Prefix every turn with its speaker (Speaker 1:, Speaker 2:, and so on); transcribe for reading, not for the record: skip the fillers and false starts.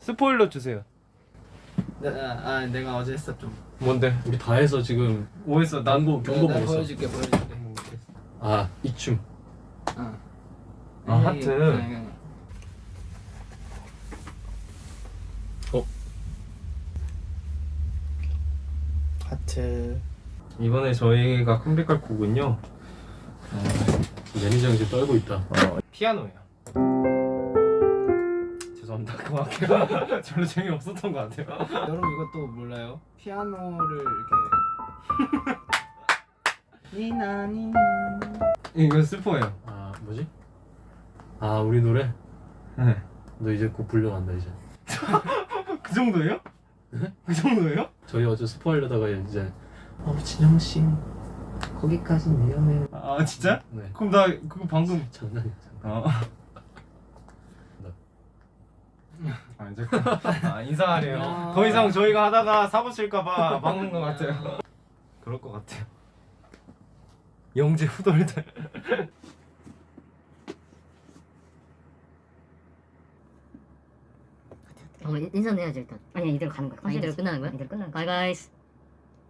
Speaker 1: 스포일러 주세요.
Speaker 2: 내가 어제 했어 좀.
Speaker 1: 뭔데?
Speaker 3: 우리 다 해서 지금
Speaker 1: 뭐 했어?
Speaker 3: 경고
Speaker 2: 내가
Speaker 3: 먹었어.
Speaker 2: 보여줄게.
Speaker 3: 아, 이 춤.
Speaker 1: 아, 하트.
Speaker 2: 하트.
Speaker 1: 이번에 저희가 컴백할 곡은요.
Speaker 3: 매니저 형 지금 떨고 있다.
Speaker 1: 피아노예요. 죄송합니다. 그만할게요. 별로 재미없었던 것 같아요.
Speaker 2: 여러분 이것도 몰라요? 피아노를 이렇게 니나 니나.
Speaker 1: 이거 스포예요.
Speaker 3: 아, 뭐지? 아, 우리 노래?
Speaker 1: 네.
Speaker 3: 너 이제 곧 불려간다 이제.
Speaker 1: 그 정도예요?
Speaker 3: 네?
Speaker 1: 그 정도예요?
Speaker 3: 저희 어제 스포하려다가 이제 진영 씨 거기까지는 위험해요.
Speaker 1: 아 진짜?
Speaker 3: 네.
Speaker 1: 그럼 나 그거 방금
Speaker 3: 장난이야.
Speaker 1: 아 이제 인사하래요. 더 이상 저희가 하다가 사고 칠까봐 막는 것 같아요. 그럴 것 같아요. 영재 후덜덜.
Speaker 4: 인사는 해야지 일단. 아니 이대로 가는 거야. 이대로 끝나는 거야? 이대로 끝나는 거야. 바이바이.